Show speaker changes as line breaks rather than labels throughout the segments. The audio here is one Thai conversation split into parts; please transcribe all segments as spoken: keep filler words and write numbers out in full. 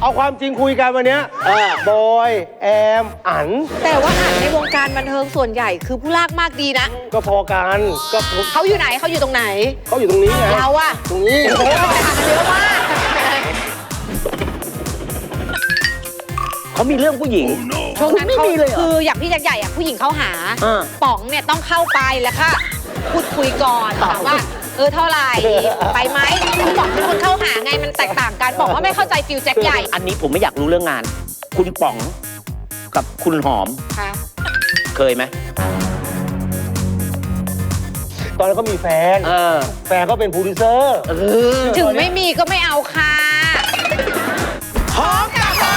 เอาความจริงคุยกันวันนี้บอยแอมอัน
แต่ว่าอันในวงการบันเทิงส่วนใหญ่คือผู้ลากมากดีนะ
ก็พอกันก็
เขาอยู่ไหนเขาอยู่ตรงไหน
เขาอยู่ตรงนี้ไง
เราอะ
ตรงนี้
โอ้โหไปหากันเยอะมาก
เขามีเรื่องผู้หญิง
ช่วงนั้นเขาคืออย่างพี่แจ็คใหญ่อะผู้หญิงเข้าหาป๋องเนี่ยต้องเข้าไปแล้วก็พูดคุยก่อนถามว่าเออเท่าไหร่ไปไหมคือป๋องเป็นคนเข้าหาไงมันแตกต่างกันบอกว่าไม่เข้าใจฟิลแจ็คใหญ่
อันนี้ผมไม่อยากรู้เรื่องงานคุณป๋องกับคุณหอมเคยไหม
ตอนนั้นเขามีแฟนแฟนเขาเป็นโปรดิวเซอร์
ถึงไม่มีก็ไม่เอาค่ะ
หอมกับใคร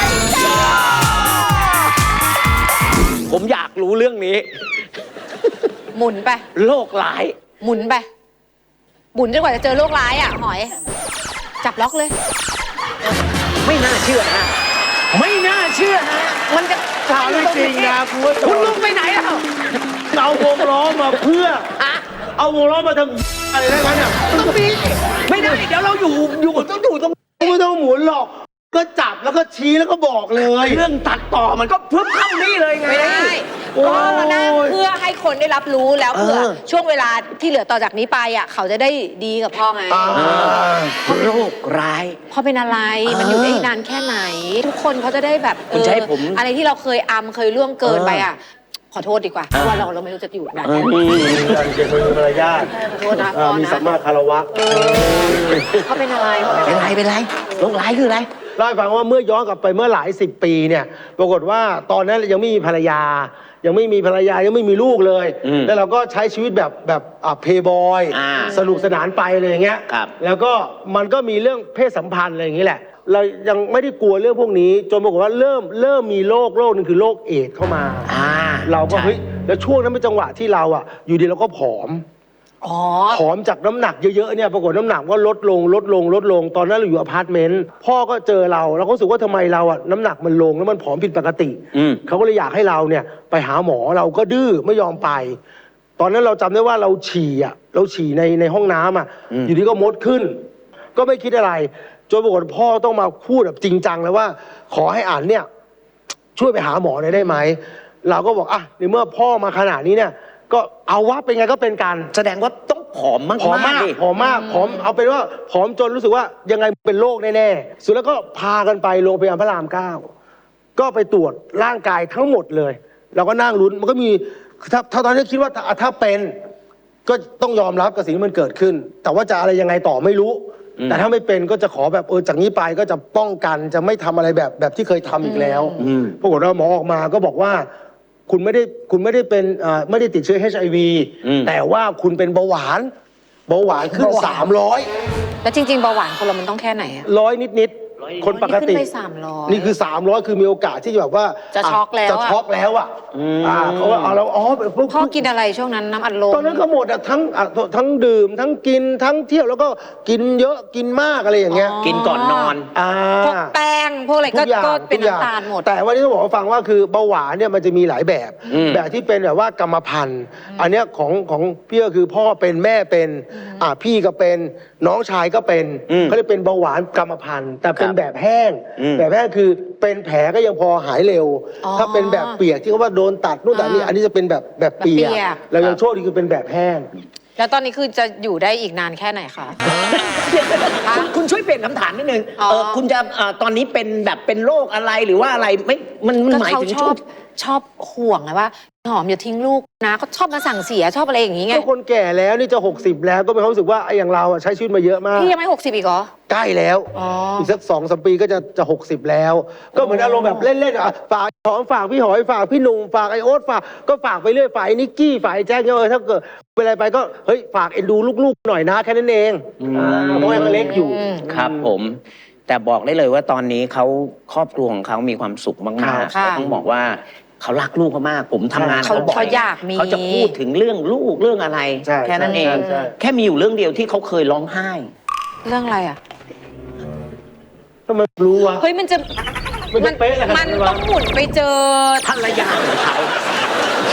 ผมอยากรู้เรื่องนี้
หมุนไป
โรคร้าย
หมุนไปหมุนจนกว่าจะเจอโรคร้ายอ่ะหอยจับล็อกเลย
ไม่น่าเชื่อนะไม่น่าเชื่อนะมันจะ
ถามไม่จริงนะคุณว่า
คุณลุงไปไหนแล้ว
เอาวงล้อมาเพื่อเอาวงล้อมาทำอะไรได้ไหมเนี่ย
ต้องมีไม่ได้เดี๋ยวเราอยู่อยู่ต้องอยู่ตรง
ไม่ต้องหมุนหรอกก็จับแล้วก็ชี้แล้วก็บอกเลย
เรื่องตัดต่อมันก็เพิ่มเข้านี่เลยไง
ไม่ได้ก็นะเพื่อให้คนได้รับรู้แล้วเผื่อช่วงเวลาที่เหลือต่อจากนี้ไปอ่ะเขาจะได้ดีกับพ่อไง
โรคร้าย
พ่อเป็นอะไรมันอยู่ได้นานแค่ไหนทุกคนเขาจะได้แบบ
คุณจะให้ผม
อะไรที่เราเคยอำเคยล่วงเกินไปอ่ะขอโทษดีกว่าเพราะว่าเราเราไม่รู้จะอยู่ไหน
มีการเก็บมือมารยาท
ขอโทษนะ
มีสัมมาคารวะ
เขาเป็นอะไร
เป็นไรเป็นไรโรคร้ายคืออะไร
เล่าให้ฟังว่าเมื่อย้อนกลับไปเมื่อหลายสิบปีเนี่ยปรากฏว่าตอนนั้นยังไม่มีภรรยายังไม่มีภรรยายังไม่มีลูกเลยแล้วเราก็ใช้ชีวิตแบบแบบเพย์บอยสนุกสนานไปเลยอย่างเงี้ยแล้วก็มันก็มีเรื่องเพศสัมพันธ์อะไรอย่างงี้แหละเรายังไม่ได้กลัวเรื่องพวกนี้จนปรากฏว่าเริ่มเริ่มมีโรคโรคนึงคือโรคเอดส์เข้ามาเราก็เฮ้ยแล้วช่วงนั้นเป็นจังหวะที่เราอ่ะอยู่ดีเราก็ผอมผอมจากน้ำหนักเยอะๆเนี่ยปรากฏน้ำหนักก็ลดลงลดลงลดลงตอนนั้นเราอยู่อพาร์ตเมนต์พ่อก็เจอเราแล้วก็รู้สึกว่าทำไมเราอ่ะน้ำหนักมันลงแล้วมันผอมผิดปกติเขาก็เลยอยากให้เราเนี่ยไปหาหมอเราก็ดื้อไม่ยอมไปตอนนั้นเราจำได้ว่าเราฉี่อ่ะเราฉี่ในในห้องน้ำอ่ะอยู่ดีก็มดขึ้นก็ไม่คิดอะไรจนปรากฏพ่อต้องมาพูดแบบจริงจังเลยว่าขอให้อ่านเนี่ยช่วยไปหาหมอหน่อยได้ไหมเราก็บอกอ่ะในเมื่อพ่อมาขนาดนี้เนี่ยก็เอาว่าเป็นไงก็เป็นกัน
แสดงว่าต้องผอมมาก
ผอมมากผอมมากผอมเอาเป็นว่าผอมจนรู้สึกว่ายังไงเป็นโรคแน่ๆสุดแล้วก็พากันไปโรงพยาบาลพระรามเก้าก็ไปตรวจร่างกายทั้งหมดเลยเราก็นั่งลุ้นมันก็มีถ้าถ้าตอนนี้คิดว่าถ้าเป็นก็ต้องยอมรับกับสิ่งที่มันเกิดขึ้นแต่ว่าจะอะไรยังไงต่อไม่รู้แต่ถ้าไม่เป็นก็จะขอแบบเออจากนี้ไปก็จะป้องกันจะไม่ทำอะไรแบบแบบที่เคยทำอีกแล้วปรากฏว่าหมอออกมาก็บอกว่าคุณไม่ได้คุณไม่ได้เป็นไม่ได้ติดเชื้อ เอช ไอ วี แต่ว่าคุณเป็นเบาหวานเบาหวานขึ้นสามร้อย
แล้วจริงๆเบาหวานคนเรามันต้องแค่ไหนอะ
ร้อยนิดคนปกติ
ขึ้นไปสามร้อย
นี่คือสามร้อยคือมีโอกาสที่จะแบบว่า
จะช็อกแล้ว
จะช็อกแล้วอ่ะเขาว่าเอาแล้วอ๋อ
พ่อกินอะไรช่วงนั้นน้ำอัดลม
ตอนนั้นก็หมดอ่ะทั้งทั้งดื่มทั้งกินทั้งเที่ยวแล้วก็กินเยอะกินมากอะไรอย่างเงี้ย
กินก่อนนอน
พวกแป้งพวกอะไรก็เป็นน้ำตาลหมด
แต่วันนี้ต้องบอกว่าฟังว่าคือเบาหวานเนี่ยมันจะมีหลายแบบแบบที่เป็นแบบว่ากรรมพันธุ์อันเนี้ยของของพี่ก็คือพ่อเป็นแม่เป็นอ่าพี่ก็เป็นน้องชายก็เป็นเขาเรียกเป็นเบาหวานกรรมพันธุ์แต่เป็นแบบแห้งแบบแรกคือเป็นแผลก็ยังพอหายเร็วถ้าเป็นแบบเปียกที่เขาว่าโดนตัดนู่นตัดนี่อันนี้จะเป็นแบบแบบเปียกเรายังโชคดีคือเป็นแบบแห้ง
แล้วตอนนี้คือจะอยู่ได้อีกนานแค่ไหนคะ
คุณช่วยเปลี่ยนคำถามนิดนึงเออคุณจะตอนนี้เป็นแบบเป็นโรคอะไรหรือว่าอะไรไม่มันหมายถึงชอบ
ชอบห่วงไงว่าหอมอย่าทิ้งลูกนะเขาชอบมาสั่งเสียชอบอะไรอย่างนี้ไง
ก็คนแก่แล้วนี่จะหกสิบแล้วก็มีความรู้สึกว่าไอ้อย่างเราใช้ชีวิตมาเยอะมาก
พี่ยังไม่หกสิบอีกเหรอ
ใกล้แล้วอีกสักสองสามปีก็จะจะหกสิบแล้วก็เหมือนอารมณ์แบบเล่นๆอ่ะฝากหอมฝากพี่หอยฝากพี่หนุ่มฝากไอโอ๊ตฝากก็ฝากไปเรื่อยฝากนิกกี้ฝากแจ๊คเออถ้าเกิดเป็นอะไรไปก็เฮ้ยฝากเอ็นดูลูกๆหน่อยนะแค่นั้นเองเพราะยังเล็กอยู่
ครับผมแต่บอกได้เลยว่าตอนนี้เขาครอบครัวของเขามีความสุขมากๆต้องบอกว่าเขารักลูกเขามากผมทำงานเขาบอกเขาจะพูดถึงเรื่องลูกเรื่องอะไรแค่นั้นเองแค่มีอยู่เรื่องเดียวที่เขาเคยร้องไห้
เรื่องอะไรอ่ะ
ทำไมรู้วะ
เฮ้ยมันจะมันมันต้องหมุนไปเจอ
ภรรยาของเขา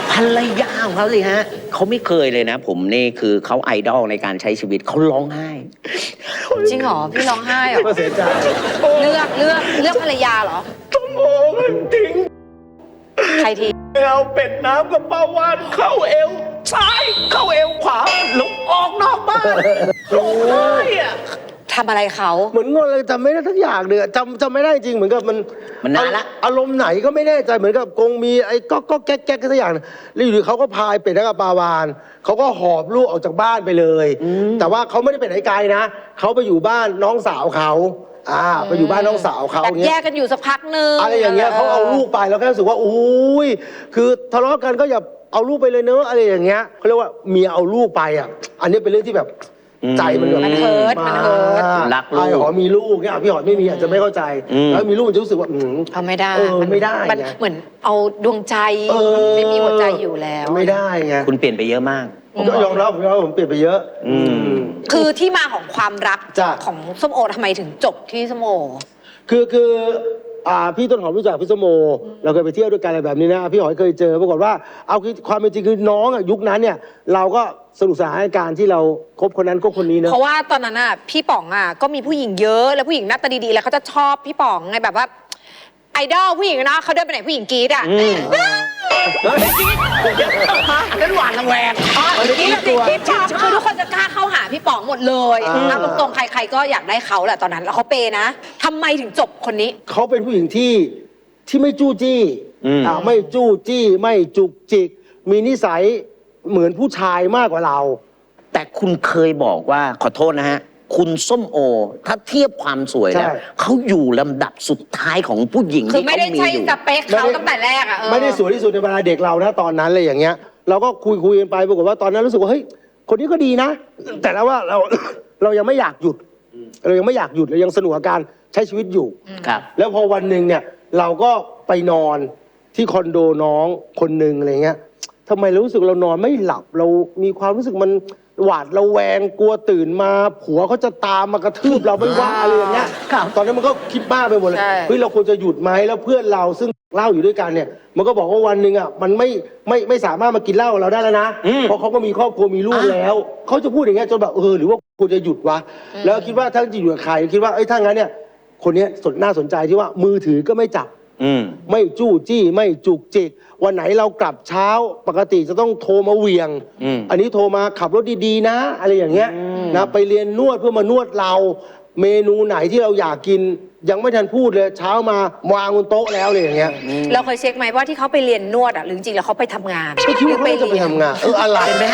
ภรรยาของเขาสิฮะเขาไม่เคยเลยนะ ผมนี่คือเขาไอดอลในการใช้ชีวิตเขาร้องไห้
จริงเหรอพี่ร้องไห้เหรอ
ก็เสียใจ
เลือกเลือกเลือกภรรยาเหรอ
ต้องโอ้มันทิ้ง
ใครที
เอาเป็ดน้ำกับปลาวานเข้าเอวซ้ายเข้าเอวขวาหลงออกนอกบ้านร้องไห้อะ
ทำอะไรเขา
เหมือนงงเลยจำไม่ได้ทั้งอย่างเลยอะจำจำไม่ได้จริงเหมือนกับมัน
มันนานละ
อารมณ์ไหนก็ไม่แน่ใจเหมือนกับกงมีไอ้ก็ก็แก๊กแก๊กสักอย่างนะแล้วอยู่ดีเขาก็พายเป็ดกับปลาวานเขาก็หอบลูกออกจากบ้านไปเลย แต่ว่าเขาไม่ได้ไปไหนไกลนะเขาไปอยู่บ้านน้องสาวเขาอ่าไปอยู่บ้านน้องสาวเขา
แบบ
เงี้
แย
ย
กกันอยู่สักพักนึง
อะไรอย่างเงี้ยเขาเอาลูกไปแล้วก็รู้สึกว่าอุ้ยคือทะเลาะกันก็อย่าเอาลูกไปเลยเนอะอะไรอย่างเงี้ยเขาเรียกว่าเมียเอาลูกไปอ่ะอันนี้เป็นเรื่องที่แบบใจมันแบบ
มันเฮิร์ตมันเฮิร์ต
รักลูก
ไอ้หอมีลูกเนี่ยพี่หอยไม่มีอาจจะไม่เข้าใจ
อืม
แล้วมีลูกมันจะรู้สึกว่าอืม
เอาไม่ได้
เออไม่ได้
มัน
ไง
เหมือนเอาดวงใจ
เออ
ไม่มีหัวใจอยู่แล้ว
ไม่ได้ไง
คุณเปลี่ยนไปเยอะมาก
ผมยอมรับผมยอมรับผมเปลี่ยนไปเยอะ
อืม
คือที่มาของความรัก
จ้ะ
ของส้มโอทำไมถึงจบที่ส้มโอ
คือคืออ่าพี่ต้นหอมรู้จักพี่สมโมเราเคยไปเที่ยวด้วยกันอะไรแบบนี้นะพี่หอยเคยเจอปรากฏว่าเอาคือความเป็นจริงคือน้องอะยุคนั้นเนี่ย เราก็สนุกสนานในการที่เราคบคนนั้นคบคนนี้เนอะ
เพราะว่าตอนนั้นอ่ะพี่ป๋องอ่ะก็มีผู้หญิงเยอะแล้วผู้หญิงหน้าตาดีๆแล้วเขาจะชอบพี่ป๋องไงแบบว่าไอดอลผู้หญิงนะเขาเดินไปไหนผู้หญิงกรี๊ดอ่ะ
นั้นหวานระแวง
อ๋อกรี๊ดแบบกรี๊ดชอบคือทุกคนจะกล้าเข้าหาพี่ป๋องหมดเลย
อ่า
นะตรงๆใครๆก็อยากได้เขาแหละตอนนั้นแล้วเขาเปย์นะทำไมถึงจบคนนี้
เขาเป็นผู้หญิงที่ที่ไม่จู้จี้
อืม
อ่าไม่จู้จี้ไม่จุกจิก มีนิสัยเหมือนผู้ชายมากกว่าเรา
แต่คุณเคยบอกว่าขอโทษนะฮะ คุณส้มโอ ถ้าเทียบความสวยแล้ว
ใช่
เขาอยู่ลำดับสุดท้ายของผู้หญิง
คือ
ที่
ไม่
เขา
ได้
มี
ใช่
อยู่
สเปคเขาตั้งแต่แรกอ่ะเออ
ไม่ได้สวยที่สุดในบรรดาเด็กเรานะตอนนั้นเลยอย่างเงี้ย เราก็คุยคุยกันไปปรากฏว่าตอนนั้นรู้สึกว่าเฮ้ยคนนี้ก็ดีนะ แต่แล้วว่าเรา เรายังไม่อยากหยุด เรายังไม่อยากหยุดเรายังสนุกกับการใช้ชีวิตอยู่
ครับ
แล้วพอวันหนึ่งเนี่ยเราก็ไปนอนที่คอนโดน้องคนหนึ่งอะไรเงี้ยทำไมเรารู้สึกเรานอนไม่หลับเรามีความรู้สึกมันหวาดระแวงกลัวตื่นมาผัวเขาจะตามมากระทืบเราไม่ว่าอะไรอย่างเงี้ยตอนนั้นมันก็คิดมากไปหมดเลย
ใช่
เฮ้ยเราควรจะหยุดไหมแล้วเพื่อนเราซึ่งเหล้าอยู่ด้วยกันเนี่ย มันก็บอกว่าวันหนึ่งอ่ะมันไม่ไม่ไม่สามารถมากินเหล้ากับเราได้แล้วนะ
อืม
เพราะเขาก็มีครอบครัวมีลูกแล้วเขาจะพูดอย่างเงี้ยจนแบบเออหรือว่าควรจะหยุดวะแล้วคิดว่าถ้าจะอยู่กับใครคิดว่าเอ้ยถ้างั้นเนี่ยคนเนี้ยสนน่าสนใจที่ว่ามือถือก็ไม่จับ
อืม
ไม่จู้จี้ไม่จุกจิกวันไหนเรากลับเช้าปกติจะต้องโทรมาเหวียง
อืม
อันนี้โทรมาขับรถดีๆนะ อะไรอย่างเงี้ยนะไปเรียนนวดเพื่อมานวดเรา เมนูไหนที่เราอยากกิน ยังไม่ทันพูดเลยเช้ามาวางบนโต๊ะแล้วเลยอย่างเงี้ย
เราเคยเช็คไหมว่าที่เขาไปเรียนนวดอ่ะหรือจริงๆแล้วเขาไปทำงาน
ไม่คิดว่าเขาจะไปทำงานเอออะไรนะ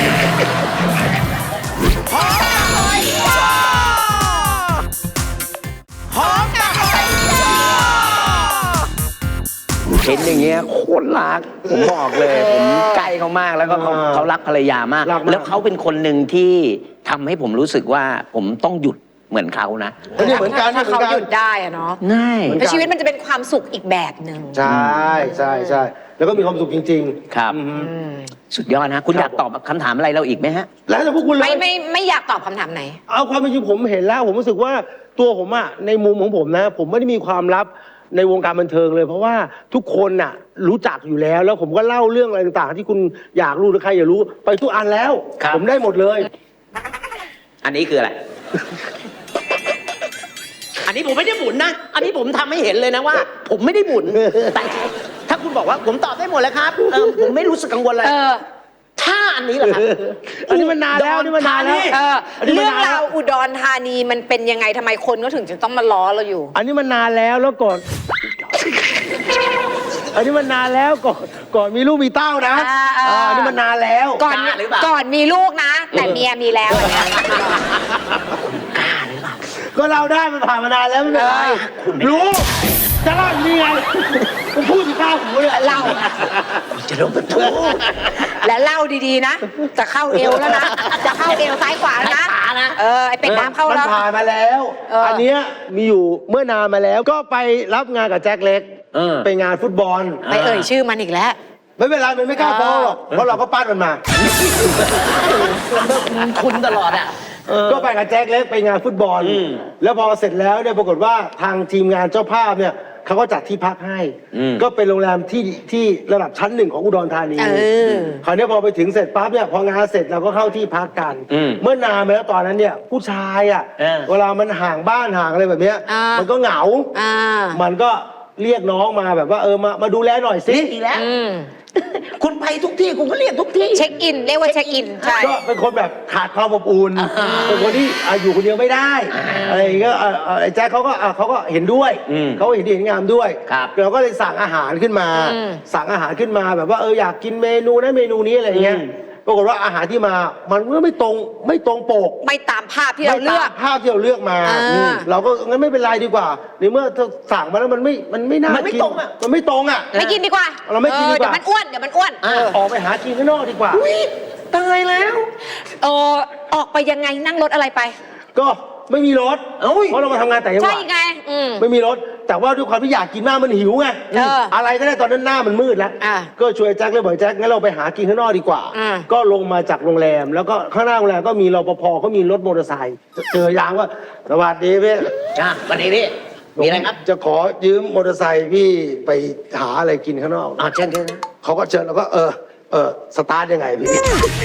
เห็นอย่างเงี้ยโคตรรัก ผมบอกเลย ผมใกล้เขามากแล้วก็เขา
อ่า
เขารักภรรยามาก
รักมาก
แล้วเขาเป็นคนหนึ่งที่ทำให้ผมรู้สึกว่าผมต้องหยุดเหมือนเขานะ
เออเนี่ยเหมือนกัน
ถ้า
เหมือ
เขา
นกั
ห
น
ยุดได้อะเนาะ
ง่าย
เหมือน
แล้วชีวิตมันจะเป็นความสุขอีกแบบหนึ่ง
ใช่ใช่ใช่แล้วก็มีความสุขจริงๆ
ครับ
อืม
สุดยอดนะ คุณอยากตอบคำถามอะไรเราอีกไหมฮะ
แล้วแต่พวกคุณเล
ไม่
ย
ไม่ไม่อยากตอบคำถามไหน
เอาความเป็นจริงผมเห็นแล้ว ผมรู้สึกว่าตัวผมอะในมุมของผมนะ ผมไม่ได้มีความลับในวงการบันเทิงเลย เพราะว่าทุกคนน่ะรู้จักอยู่แล้ว แล้วผมก็เล่าเรื่องอะไรต่างๆ ที่คุณอยากรู้หรือใครอยากรู้ไปทุกอันแล้ว
ครับ
ผมได้หมดเลย
อันนี้คืออะไร อันนี้ผมไม่ได้หมุนนะ อันนี้ผมทำให้เห็นเลยนะว่า ผมไม่ได้หมุน แต่ถ้าคุณบอกว่าผมตอบได้หมดแล้วครับเออผมไม่รู้สึกกังวลเลย
เออ
ถ้าอันนี้แหละครับ
อันนี้มันนานแล้วอันนี่มันนานแล้ว
เออ
อันนี้มัน
เรื่อง
นานแล้
ราว วอุดรธานีมันเป็นยังไงทำไมคนก็ถึงจะต้องมาล้อเราอยู่
อันนี้มันนานแล้วแล้วก่อน อันนี้มันนานแล้วก่อนก่อนมีลูกมีเต้านะ
อ่าอ่า
อ่าอันนี้มันนานแล้ว
ก่อน
กล้าหรือเปล่า
ก่อนมีลูกนะ แต่เมียมีแล้วอันเนี้ย
ก็เราได้มันผ่านมานานแล้วไม่เป็นไร
คุณไม่
รู้จะเล่าอยู่นี่ไงผมพูดที่ข้าวหูเลย
เล่า
จะโดนประตู
และเล่าดีๆนะ จะเข้าเอวแล้วนะ จะเข้าเอวซ้ายขวาแล้วนะ
ซ้ายขวานะ
เออไอเป็ดน้ำเข้า
มัน
แล้ว
ผ่านมาแล้ว
เอออั
อันเนี้ยมีอยู่เมื่อนานมาแล้ว ก็ไปรับงานกับแจ็คเล็ก
เออ
ไปงานฟุตบอล
ไปเอ่ยชื่อมันอีกแล้ว
ไม่เป็นไรมันไม่กล้าฟ้องหรอกเพราะเราก็ปั้นมันมา
คุณตลอดอ่ะ
ก็ไปกับแจ็คเล็กไปงานฟุตบอล
อืม
แล้วพอเสร็จแล้วเนี่ยปรากฏว่าทางทีมงานเจ้าภาพเนี่ยเขาก็จัดที่พักให้
อืม
ก็เป็นโรงแรมที่ที่ระดับชั้นหนึ่งของอุดรธานี
เออ
คราวนี้พอไปถึงเสร็จปั๊บเนี่ยพองานเสร็จเราก็เข้าที่พักกัน
อืม
เมื่อนานมาแล้วตอนนั้นเนี่ยผู้ชายอ่ะ
เออ
เวลามันห่างบ้านห่างอะไรแบบเนี้ย
อ่ามั
มันก็เหงา
อ่า
มันก็เรียกน้องมาแบบว่าเออมามาดูแลหน่อยสิ
เรียกอีกแล้ว
อืม
คุณไปทุกที่คุณก็เรียกทุกที่
เช็คอิน เรียกว่าเช็คอิน ใช่
ก็เป็นคนแบบขาดความอบอุ่นเป็นคนที่อ่ะอยู่คนเดียวไม่ได้อะไรอย่างเงี้ยอ่ะอ่ะไอ้แจ็คเขาก็อ่ะเขาก็เห็นด้วย
อืม
เขาเห็นดีเห็นงามด้วย
ครับ
เราก็เลยสั่งอาหารขึ้นมา
อืม
สั่งอาหารขึ้นมาแบบว่าเอออยากกินเมนูนั้นเมนูนี้อะไรอย่างเงี้ย
อืม
ปรากฏว่าอาหารที่มามันก็ไม่ตรงไม่ตรงปก
ไม่ตามภาพที่เราเลือก
ไม่ตมภาพที่เราเลือกมา
อ่า
อืมเราก็งั้นไม่เป็นไรดีกว่าในเมื่อสั่งมาแล้วมันไม่มันไม่น่า
มันไม่
กิ
ตรงอะ
มันไม่ตรงอ่ะ
ไม่กินดีกว่า
เราไม่กินดีกว่า
เดี๋ยวมันอ้วน เดี๋ยวมันอ้วน
อ่ะ
ออกไปหากินข้างนอกดีกว่า
อุ๊ยตายแล้ว
เออออกไปยังไงนั่งรถอะไรไป
ก็ไม่มีรถ
เอ้ย
เพราะเรามาทำงานแต่จังห
ใช่
วัด
ไง อืม
ไม่มีรถ แต่ว่าด้วยความที่อยากกินมากมันหิวไง
เออ
อะไรก็ได้ตอนนั้นหน้ามันมืดแล้ว
อ่ะ
ก็ช่วยแจ็คเลยบอกแจ็คงั้นเราไปหากินข้างนอกดีกว่า
อ่ะ
ก็ลงมาจากโรงแรม แล้วก็ข้างหน้าโรงแรมก็มีรปภเขามีรถมอเตอร์ไซค์เจอยางว่าสวัสดีพี่
อ่ะวันนี้นี่มีอะไรครับ
จะขอยืมมอเตอร์ไซค์พี่ไปหาอะไรกินข้างนอก
อ่าเชิญเชิญ
เขาก็เชิญแล้วก็เออเออสตาร์ทยังไงพี่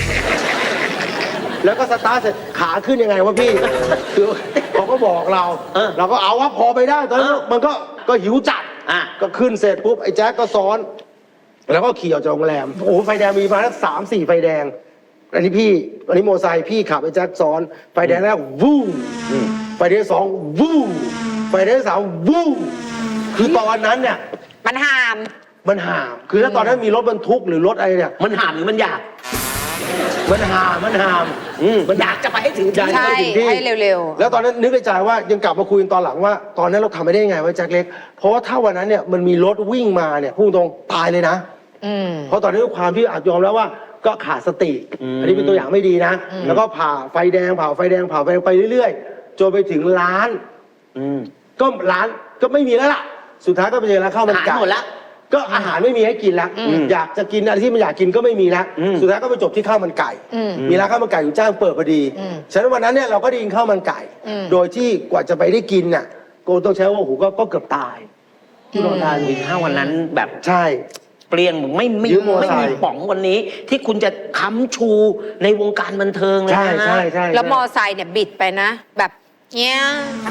แล้วก็สตาร์ทเสร็จขาขึ้นยังไงวะพี่ คือเขาก็บอกเรา
เออ
เราก็เอาว่าพอไปได้ตอนนั้น
เออ
มันก็ก็หิวจัด
อ่ะ
ก็ขึ้นเสร็จปุ๊บไอ้แจ๊คก็ซ้อน แล้วก็ขี่ออกจากโรงแรมโอ้โหไฟแดงมีมาแล้วสามสี่ไฟแดง อันนี้พี่อันนี้โมอเตอร์ไซค์พี่ขับไอ้แจ๊คซ้อน ไฟแดงแรกวู้ไฟแดงสองวู้ไฟแดงสามวู้คือตอนนั้นเนี่ย
มันหาม
มันห่าม คือถ้าตอนนั้นมีรถบรรทุกหรือรถอะไรเนี่ย
มันหามหรือมันอยาก
มันห่าม มันห่าม
อืม
มัน
อยากจะไปให้ถึง
อยาก
ที่
จะไปถึงที่
ใช่ให้เร็วๆ
แล้วตอนนั้นนึกในใจว่ายังกลับมาคุยกันตอนหลังว่า ตอนนั้นเราทำไม่ได้ยังไงวะแจ็คเล็ก เพราะว่าถ้าวันนั้นเนี่ยมันมีรถวิ่งมาเนี่ยพูดตรงตายเลยนะ
อืม
เพราะตอนนี้ด้วยความที่อาจยอมแล้วว่าก็ขาดสติ อันนี้เป็นตัวอย่างไม่ดีนะ แล้วก็ผ่าไฟแดงผ่าไฟแดงผ่าไฟแดงไปเรื่อยๆ จนไปถึงร้าน
อืม
ก็ร้านก็ไม่มีแล้วล่ะ สุดท้ายก็ไปเจอร้านข้าวมันไก่
หายหมดละ
ก็อาหารไม่มีให้กินแล้ว
อืม
อยากจะกินอะไรที่มันอยากกินก็ไม่มีแล้ว
อืม
สุดท้ายก็ไปจบที่ข้าวมันไก่
อืม
มีร้านข้าวมันไก่อยู่จ้างเปิดพอดี
อืม
ฉะนั้นวันนั้นเนี่ยเราก็ได้กินข้าวมันไก่
อืม
โดยที่กว่าจะไปได้กินน่ะโกต้องใช้ว่าโอ้โหก็ก็เกือบตายที่โรงพยาบาล
มีถ้าวันนั้นแบบ
ใช่
เปลี่ยนไม่ไม่
ยืมมอเตอร์
ไม่
ไซค์
มีป๋องวันนี้ ที่คุณจะค้ำชูในวงการบันเทิงเลย
ใช่
นะ
ใช่ใช่
แล้วมอไซค์เนี่ยบิดไปนะ แบบเนี้ย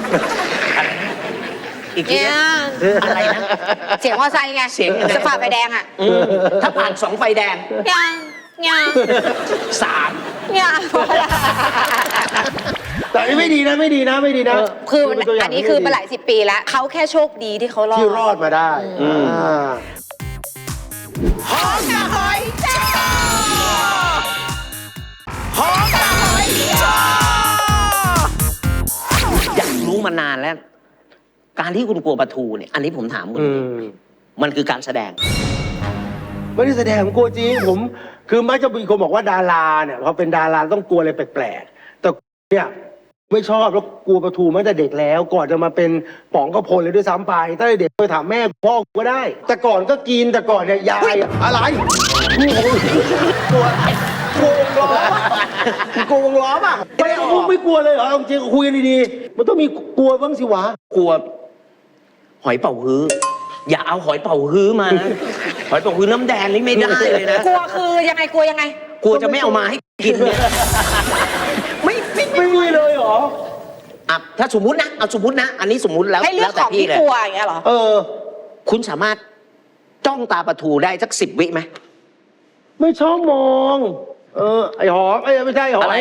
อีกที
เนี้ย
นะอะไรนะ
เสียงมอไซค์ไง
เสียงยังไง
จะฝ่าไฟแดงอ่ะ
อืมถ้าผ่านสองไฟแดง
เนี้ยเนี้ย
สาม
เนี้ย
แต่อันนี้ไม่ดีนะไม่ดีนะไม่ดีนะ
คือมัน
เป็ตัวย่
อั
ง
นนี้
ที่
คือ
ไดี
มาหลายสิบปีแล้วเขาแค่โชคดีที่เขารอด
ที่รอดมาได้
อืม
อ่า
หอมกับหอยจ้าหอมกับหอยจ้าอยากรู้มานานแล้ว การที่คุณกลัวปลาทูเนี่ย อันนี้ผมถามคุณ
อืม
มันคือการแสดง
ไม่ได้แสดงผมกลัวจริงผม คือมักจะมีคนบอกว่าดาราเนี่ยพอเป็นดาราต้องกลัวอะไรแปลกๆแต่เนี่ยไม่ชอบแล้วกลัวปลาทูมาตั้งแต่เด็กแล้ว ก่อนจะมาเป็นป๋องกระพลเลยด้วยซ้ำไปตั้งแต่เด็กไปถามแม่พ่อก็ได้ แต่ก่อนก็กินแต่ก่อนเนี่ยยายอะอะไรกลัวอะไรกลัววงล้อป่ะกลัววงล้อป่ะไม่ไม่ไม่กลัวเลยเหรอเอาจริงคุยกันดีๆมันต้องมีกลัวบ้างสิวะ
กลัว หอยเป่าฮื้อ อย่าเอาหอยเป่าฮื้อมานะหอยเป่าฮื้อน้ำแดงนี่ไม่ได้เลยนะ
กลัวคือยังไงกลัวยังไง
กลัวจะไม่เอามาให้กินเนี่ยไม่ไม่ไม่
ไม่มีเลยเหรอ
อ่ะถ้าสมมุตินะเอาสมมุตินะ อันนี้สมมุติแล้ว
ให้เลือก
แล้วแต่
ของที่
เลย
กลัวอย่างเงี้ยเหรอ
เออ
คุณสามารถจ้องตาปลาทูได้สักสิบวิไหม
ไม่ชอบมอง เออ ไอหอมไอยไม่ใช่หอ
อะไร
ย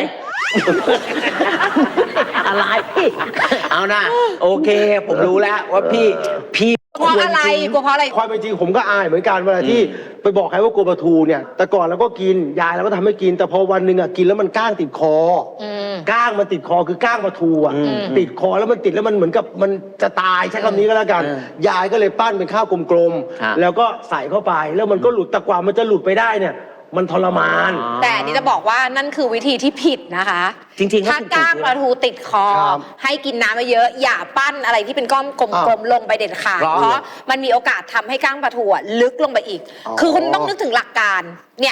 อะไร เอานะโอเค ผมรู้แล้วว่าพี่พี่
เพราะอะไร
ควจง
กลัวเพราะอะไร
ความเป็นจริงผมก็อายเหมือนกันเวลาที่ไปบอกใครว่ากลัวปลาทูเนี่ย แต่ก่อนเราก็กิน ยายเราก็ทำให้กิน แต่พอวันหนึ่งอ่ะกินแล้วมันก้างติดคออ
ม
ก้างมันติดคอคือก้างปลาทูอ่ะ ติดคอแล้วมันติดแล้วมันเหมือนกับมันจะตายใช้คำนี้ก็แล้วกัน ยายก็เลยปั้นเป็นข้าวกลมๆ แล้วก็ใส่เข้าไป แล้วมันก็หลุดแต่กว่ามันจะหลุดไปได้เนี่ย มันทรมาน
แต่อันนี่จะบอกว่านั่นคือวิธีที่ผิดนะคะ
จริงๆ
ถ้า
ถู
ก้างปลาทูติดคอ
ครับ
ให้กินน้ำมาเยอะ อย่าปั้นอะไรที่เป็นก้อนกลมๆลงไปเด็ดขาด
หรอ
เพราะมันมีโอกาสทำให้ก้างปลาทูอะลึกลงไปอีก
อ๋อ
คือคุณต้องนึกถึงหลักการ เนี่ย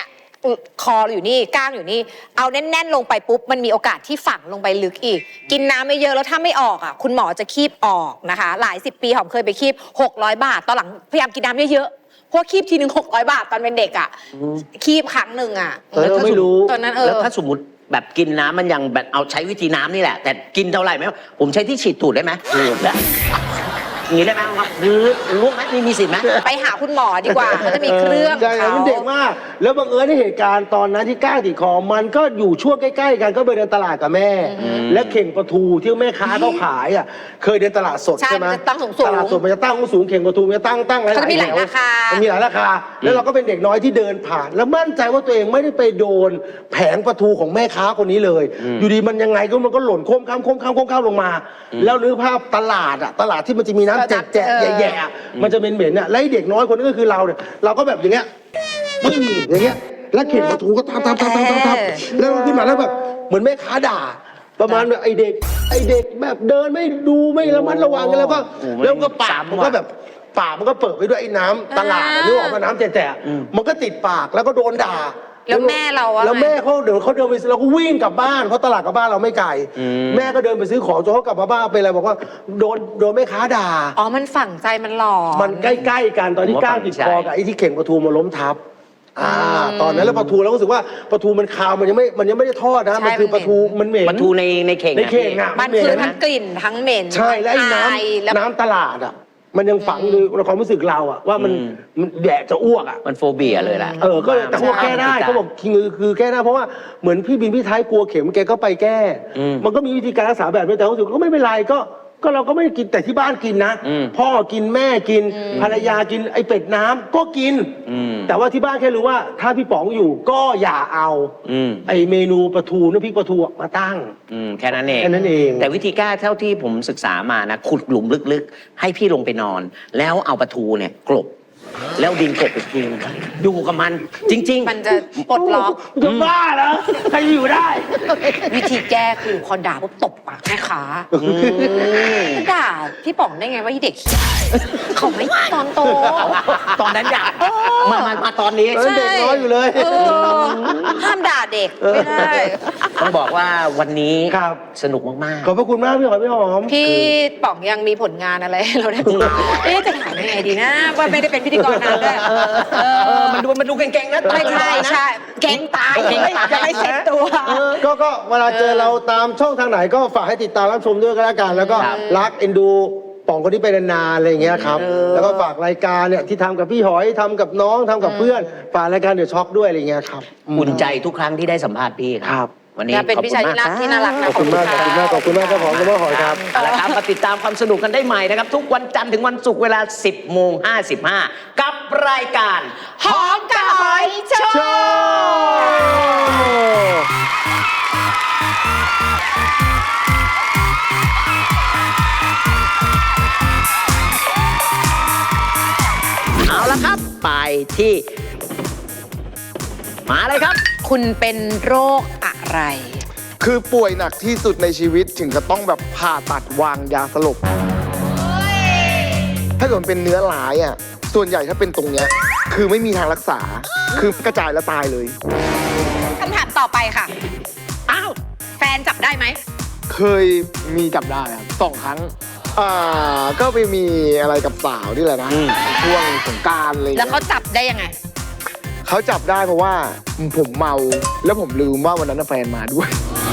คออยู่นี่ก้างอยู่นี่เอาแน่นๆลงไปปุ๊บมันมีโอกาสที่ฝังลงไปลึกอีก กินน้ำไม่เยอะแล้วถ้าไม่ออกอ่ะคุณหมอจะคีบออกนะคะ หลายสิบปีหอมเคยไปคีบหกร้อยบาทตอนหลังพยายามกินน้ำเยอะๆเพราะคีบทีหนึ่งหกร้อยบาทตอนเป็นเด็กอ่ะคีบครั้งหนึ่งอ่ะ
เออไม่รู้
ตอนนั้นเออ
แล้วถ้าสมมติแบบกินน้ำมันยังแบบเอาใช้วิธีน้ำนี่แหละ แต่กินเท่าไหร่ไหมผมใช้ที่ฉีดตูดได้ไหมได้อย่างนี้ได้ไหมครับหรือรู้ไหมมีมีสิทธิ์ไหม
ไปหาคุณหมอดีกว่าเขาจะมีเครื่อง
ใช่
เขา
มันเด็กมาก แล้วบังเอิญในเหตุการณ์ตอนนั้นที่ก้างติดคอมันก็อยู่ช่วงใกล้ๆกันก็ไปเดินตลาดกับแม่ และเข่งปลาทูที่แม่ค้าเขาขายอ่ะเคยเดินตลาดสด
ใช่
ใช่ไหม
มันจะตั้งสูงๆ
ตลาดสดมันจะตั้งสูงเข่งปลาทูมันจะตั้งตั้งหลาย
เขาจะมีหลาย
แถว
ราคามั
นมีหลายราคา แล้วเราก็เป็นเด็กน้อยที่เดินผ่าน แล้วมั่นใจว่าตัวเองไม่ได้ไปโดนแผงปลาทูของแม่ค้าคนนี้เลย อยู่ดีมันยังไงก็มันก็หล่นโค้มข้ามโค้มข้ามโค้มข้ามลงมา แล้วนึกภาพตลาดอ่ะตลาดที่มันจะมีน้ำแจกๆแย่ๆอะมันจะเป็นเหม็นๆอ่ะแล้วไอ้เด็กน้อยคนนี้ก็คือเราเนี่ยเราก็แบบอย่างเงี้ยปึ้งอย่างเงี้ยแล้วเข็นปลาทูก็ทับทับทับทับทับทับแล้วขึ้นมาแล้วแบบเหมือนแม่ค้าด่า ประมาณแบบไอเด็กไอเด็กแบบเดินไม่ดูไม่ระมัดระวังกันแล้วก็
โอ้โห
แล้วก็ปาก
ซ้ำ
มันก็
ว่ะ
แบบปากมันก็เปิดไปด้วยไอ้น้ำตลาดอะนึกออกมาน้ำแฉะๆมันก็ติดปากแล้วก็โดนด่า
แล้วแม่เราอะ
แล้วแม่เขาเดี๋ยวเขาเดินไปเราก็วิ่งกลับบ้านเพราะตลาดกับบ้านเราไม่ไกลแม่ก็เดินไปซื้อของจนเขากลับมาบ้านเป็นอะไรบอกว่าโดนโดนแม่ค้าด่า
อ๋อมันฝังใจมันหลอน
มันใกล้ๆกันตอนที่
ผมว่า
ก้างติดคอ
ฝังใจ
กับไอ้ที่เข่งปลาทูมาล้มทับอ่า
อืม
ตอนนั้นแล้วปลาทูเราก็รู้สึกว่าปลาทูมันคาวมันยังไม่มันยังไม่ได้ทอดนะ
ใช่
มันคือ
มัน
ปลาทูมันเหม็น
ปลาทูในในเข่ง
ในเข่ง
อะ
อะ
มันคือทั้งกลิ่นทั้งเหม็น
ใช่แล้วไอ้น้
อายแล้ว
ำน้ำตลาดอ่ะมันยังฝังอยู่ในความรู้สึกเราอ่ะว่ามันมันแดดจะอ้วกอ่ะ
มันโฟเบียเลยแหละ
เออ ก็แต่เขาบอกแก้ได้เขาบอกคือคือแก้ได้เพราะว่าเหมือนพี่บินพี่ท้ายกลัวเข็มแกก็ไปแก้
อืม
มันก็มีวิธีการรักษาแบบนี้แต่เขารู้สึกก็ไม่เป็นไรก็ก็เราก็ไม่ได้กินแต่ที่บ้านกินนะ
อืม
พ่อกินแม่กิน ภรรยากินไอเป็ดน้ำก็กิน
อืม
แต่ว่าที่บ้านแค่รู้ว่าถ้าพี่ป๋องอยู่ก็อย่าเอา
อืม
ไอเมนูปลาทูน้ำพริกปลาทูมาตั้ง
อืมแค่นั้นเอง
แค่นั้นเอง
แต่วิธีแก้เท่าที่ผมศึกษามานะขุดหลุมลึกๆ ให้พี่ลงไปนอน แล้วเอาปลาทูเนี่ยกลบ แล้วดินกลบอีกทีนึงอยู่กับมัน จริงๆ
มันจะปลดล็อก
จะบ้าเหรอใครอยู่ได้
วิธีแก้คือพอด่าปุ๊บตบปากแม่ค้าด่าพี่ป๋องได้ไงว่าที่เด็กเขาไม่ตอนโต
ตอนนั้นอยากมามามาตอนนี้
เออ เด็กน้อยอยู่เลย
เออห้ามด่าเด็กไม่ได้
ต้องบอกว่าวันนี้
ครับ
สนุกมาก
ขอบพระคุณมากพี่หอยพี่หอม
พี่ป๋องยังมีผลงานอะไรให้เราได้ติดตามเอ๊ะจะถามยังไงดีนะ ว่าไม่ได้เป็นพิธีกรนานด้วย
ๆ เออมันดูมันดูเก่งๆนะ
ไม่ใช่ใช่เก่งตาย
เก่งตาย
จะไม่เซ็ตตัว
ก็ก็เวลาเจอเราตามช่องทางไหนก็ฝากให้ติดตามรับชมด้วยก็แล้วกัน แล้วก็
ครับ
รักเอ็นดูป่องคนที่ไปนานๆอะไรอย่างเงี้ยครับ
เออ
แล้วก็ฝากรายการเนี่ยที่ทำกับพี่หอยทำกับน้องทำกับเพื่อนฝากรายการเดือดช็อกด้วยอะไรอย่างเงี้ยครับ
อุ่นใจทุกครั้งที่ได้สัมภาษณ์พี่
ครับ
วันนี้
และเป็น
ขอบ
พี่
คุ
ชาย
ณ
ที่
มาก
รักที่น่ารักนะ
ขอบคุณมากขอบคุณมากขอบคุณมากครับผมคุณพ่อหอยครับ
เอาละครับมาติดตามความสนุกกันได้ใหม่นะครับ ทุกวันจันทร์ถึงวันศุกร์เวลา สิบโมงห้าสิบห้า กับรายการ
หอมกับหอยโช
โช
ว์
ว์
เอาละครับ ไปที่ มาเลยครับ
คุณเป็นโรคอะไร
คือป่วยหนักที่สุดในชีวิตถึงจะต้องแบบผ่าตัดวางยาสลบ ถ้าเกิดมันเป็นเนื้อร้ายอ่ะ ส่วนใหญ่ถ้าเป็นตรงเนี้ย คือไม่มีทางรักษา คือกระจายแล้วตายเลย
คำถามต่อไปค่ะ อ้าว แฟนจับได้ไหม
เคยมีจับได้ครับสองครั้ง อ่า ก็ไปมีอะไรกับสาวนี่แหละนะ
อืม
ช่วงสงกรารอะไรอย่าง
แล้ว
เงี้ย
เขาจับได้ยังไง
เขาจับได้เพราะว่าผมเมา แล้วผมลืมว่าวันนั้นนะแฟนมาด้วย